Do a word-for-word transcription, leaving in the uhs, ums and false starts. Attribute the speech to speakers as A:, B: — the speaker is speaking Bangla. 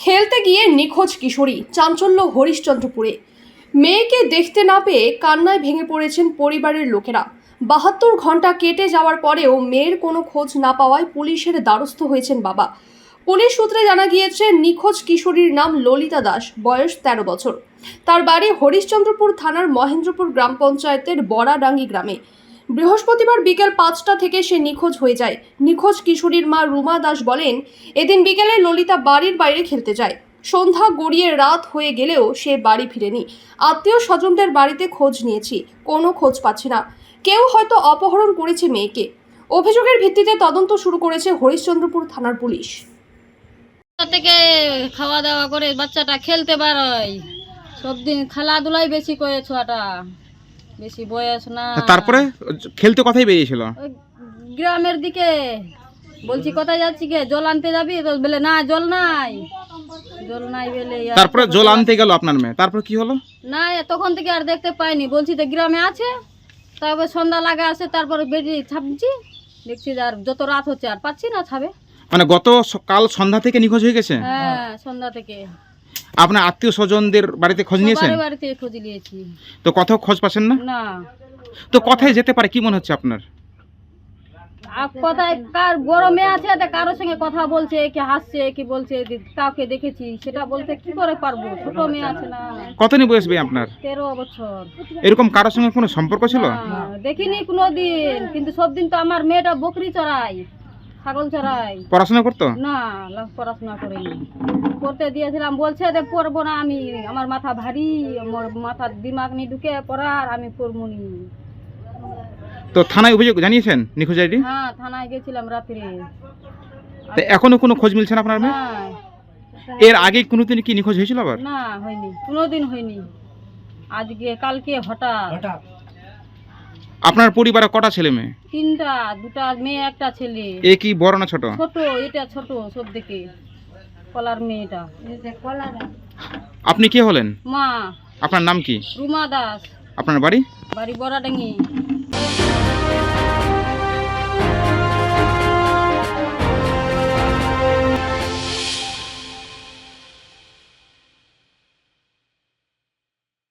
A: খেলতে গিয়ে নিখোঁজ কিশোরী, চাঞ্চল্য হরিশ্চন্দ্রপুরে। মেয়েকে দেখতে না পেয়ে কান্নায় ভেঙে পড়েছেন পরিবারের লোকেরা। বাহাত্তর ঘন্টা কেটে যাওয়ার পরেও মেয়ের কোনো খোঁজ না পাওয়ায় পুলিশের দ্বারস্থ হয়েছেন বাবা। পুলিশ সূত্রে জানা গিয়েছে, নিখোঁজ কিশোরীর নাম ললিতা দাস, বয়স তেরো বছর। তার বাড়ি হরিশ্চন্দ্রপুর থানার মহেন্দ্রপুর গ্রাম পঞ্চায়েতের বড়াডাঙ্গি গ্রামে। বৃহস্পতিবার বিকেল পাঁচটা থেকে সে নিখোঁজ হয়ে যায়। নিখোঁজ কিশোরীর মা রুমা দাস বলেন, এদিন বিকেলে ললিতা বাড়ির বাইরে খেলতে যায়। সন্ধ্যা গড়িয়ে রাত হয়ে গেলেও সে বাড়ি ফিরেনি। আত্মীয় স্বজনদের বাড়িতে খোঁজ নিয়েছি, কোনো খোঁজ পাচ্ছি না। কেউ হয়তো অপহরণ করেছে মেয়েকে। অভিযোগের ভিত্তিতে তদন্ত শুরু করেছে হরিশ্চন্দ্রপুর থানার পুলিশ।
B: থেকে খাওয়া দাওয়া করে বাচ্চাটা খেলতে বেরোয়, সব দিন খেলাধুলাই বেশি করে, ছোয়াটা বেশি বয়স না।
C: তারপরে খেলতে কোথায় বেরিয়েছিল?
B: ওই গ্রামের দিকে। বলছি কোথায় যাচ্ছি কে, জল আনতে যাবি? তো বলে না, জল নাই, জল নাই বলে।
C: তারপরে জল আনতে গেল আপনার মেয়ে, তারপর কি হলো?
B: না, তখন থেকে আর দেখতে পাইনি। বলছি তো গ্রামে আছে, তারপর সন্ধ্যা লাগা আসে, তারপরে বেরিয়ে ছাপছি, দেখছি আর যত রাত হচ্ছে আর পাচ্ছি না ছাবে।
C: মানে গত কাল সন্ধ্যা থেকে নিখোঁজ হয়ে গেছে?
B: হ্যাঁ, সন্ধ্যা থেকে।
C: আপনার আত্মীয় স্বজনদের বাড়িতে খোঁজ নিয়েছেন?
B: সবার বাড়িতে খোঁজ নিয়েছি,
C: তো কোথাও খোঁজ পাচ্ছেন না?
B: না।
C: তো কোথায় যেতে পারে, কি মনে হচ্ছে আপনার?
B: আর কোথায় কার বড় মেয়ে আছে, তা কারোর সঙ্গে কথা বলছে, কি হাসছে, কি বলছে, কাউকে দেখেছি সেটা বলতে কি করে পারবো? ছোট মেয়ে আছে না।
C: কতদিন বয়স ভাই আপনার?
B: তেরো বছর।
C: এরকম কারোর সঙ্গে কোনো সম্পর্ক ছিল?
B: না, দেখিনি কোনোদিন। কিন্তু সব দিন তো আমার মেয়েটা বকরি চড়াই, ছাগল চড়াই।
C: পড়াশোনা করতো
B: না, পড়াশোনা করিনি। পড়তে দিয়েছিলাম, বলছে যে পড়বো না আমি, আমার মাথা ভারী, আমার মাথার দিমাগ নিয়ে ঢুকে পড়ার, আমি পড়বো নি।
C: তো থানায় অভিযোগ জানিয়েছেন নিখোঁজ আইডি?
B: হ্যাঁ, থানায় গেছিলাম রাত্রে।
C: তো এখনো কোনো খোঁজ মিলছে না আপনার মেয়ে?
B: না,
C: এর আগে কোনোদিন কি নিখোঁজ হয়েছিল আবার?
B: না হয়নি, কোনোদিন হয়নি। আজকে কালকে হঠাৎ।
C: আপনার পরিবারে কটা ছেলে মেয়ে?
B: তিনটা, দুটা মেয়ে একটা ছেলে।
C: এ কি বড় না ছোট?
B: ছোট, এটা ছোট সব থেকে, কলার মেয়েটা।
C: আপনি কে হলেন?
B: মা।
C: আপনার নাম কি?
B: রুমা দাস।
C: আপনার বাড়ি?
B: বাড়ি বড়াডাঙ্গি।